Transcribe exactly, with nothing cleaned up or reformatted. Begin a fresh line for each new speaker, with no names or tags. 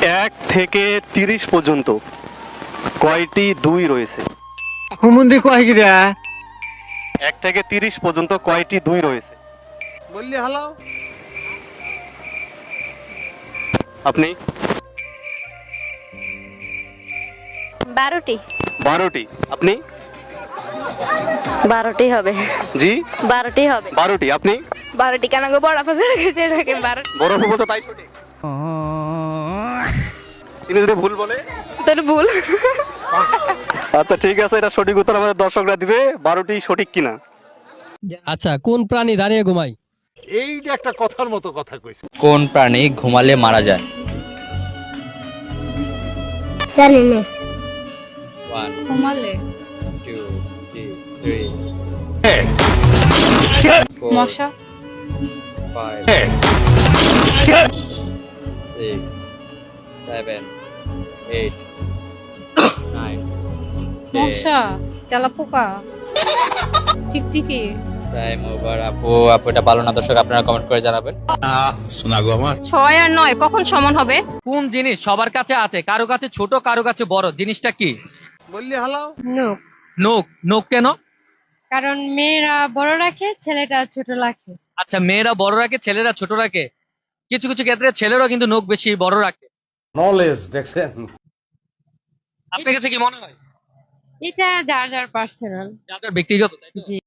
এক থেকে তিরিশ পর্যন্ত কয়টি দুই রয়েছে?
হুমুন্দি কয় গিরা
এক থেকে তিরিশ পর্যন্ত কয়টি দুই রয়েছে?
বললি হালাও।
আপনি?
বারোটি।
বারোটি। আপনি?
বারোটি হবে।
জি
বারোটি হবে।
বারোটি। আপনি?
বারোটি কেন গো, বড় ফাজা রেখেছে এটাকে বারোটি।
বড় ফুফু তো তাই সঠিক। তিনি যদি ভুল বলে?
তোর ভুল।
আচ্ছা ঠিক আছে, এটা সঠিক উত্তর আমাদের দর্শকরা দিবে। বারোটি সঠিক কিনা?
আচ্ছা, কোন প্রাণী দাঁড়িয়ে ঘুমায়?
এইটা একটা কথার মতো কথা কইছে।
কোন প্রাণী ঘুমালে মারা যায়?
জানি না।
ওয়ান,
ঘুমালে
টু, থ্রি, ফোর,
মশা।
Five, six, seven, eight, nine,
মশা, তেলাপোকা, টিকটিকি।
Time over. আপু আপু এটা ভালো না, দর্শক আপনারা কমেন্ট করে জানাবেন।
শোনাগো আমার।
ছয় আর নয় কখন সমান হবে?
কোন জিনিস সবার কাছে আছে, কারো কাছে ছোট কারো কাছে বড়, জিনিসটা কি?
বললি হালাও।
নোক।
নোক। নোক কেন?
কারণ মেয়েরা বড় রাখে, ছেলেটা ছোট রাখে।
আচ্ছা, মেয়েরা বড় রাখে, ছেলেরা ছোট রাখে। কিছু কিছু ক্ষেত্রে ছেলেরাও কিন্তু নোক বেশি বড় রাখে।
নলেজ দেখছেন।
আপনার কাছে কি মনে হয়?
এটা যার যার পার্সোনাল।
যার যার ব্যক্তিগত, তাই তো?
জি।